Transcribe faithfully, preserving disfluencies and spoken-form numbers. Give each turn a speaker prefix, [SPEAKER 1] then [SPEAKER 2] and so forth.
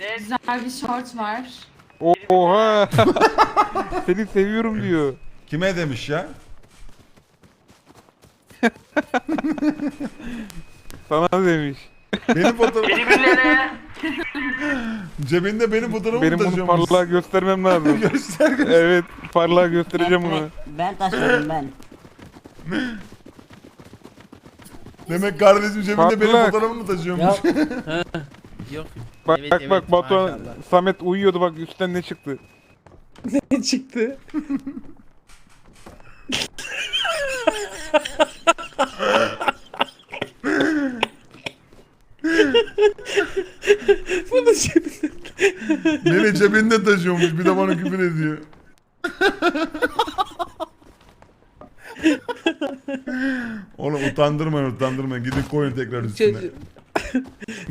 [SPEAKER 1] Güzel bir şort var.
[SPEAKER 2] Oha. Seni seviyorum diyor.
[SPEAKER 3] Kime demiş ya?
[SPEAKER 2] Sana demiş.
[SPEAKER 3] Benim fotoğrafım.
[SPEAKER 4] Beni birileri.
[SPEAKER 3] Cebinde benim fotoğrafımı
[SPEAKER 2] Benim bunu
[SPEAKER 3] taşıyormuş.
[SPEAKER 2] parlağa göstermem lazım.
[SPEAKER 3] Göster göster.
[SPEAKER 2] Evet, parlağa göstereceğim bunu.
[SPEAKER 5] Ben taşıyorum ben.
[SPEAKER 3] Demek kardeşim cebinde benim
[SPEAKER 2] Parlak.
[SPEAKER 3] fotoğrafımı taşıyormuş.
[SPEAKER 6] Ya yok.
[SPEAKER 2] Bak
[SPEAKER 6] Evet,
[SPEAKER 2] bak
[SPEAKER 6] evet,
[SPEAKER 2] bak Batuhan,
[SPEAKER 6] maşallah.
[SPEAKER 2] Samet uyuyordu bak üstten ne çıktı.
[SPEAKER 6] Ne çıktı? Bunu cebinde.
[SPEAKER 3] Beni cebinde taşıyormuş bir de bana küfür ediyor. Oğlum utandırmayın utandırmayın gidin koyun tekrar üstüne.
[SPEAKER 6] Çocuğum.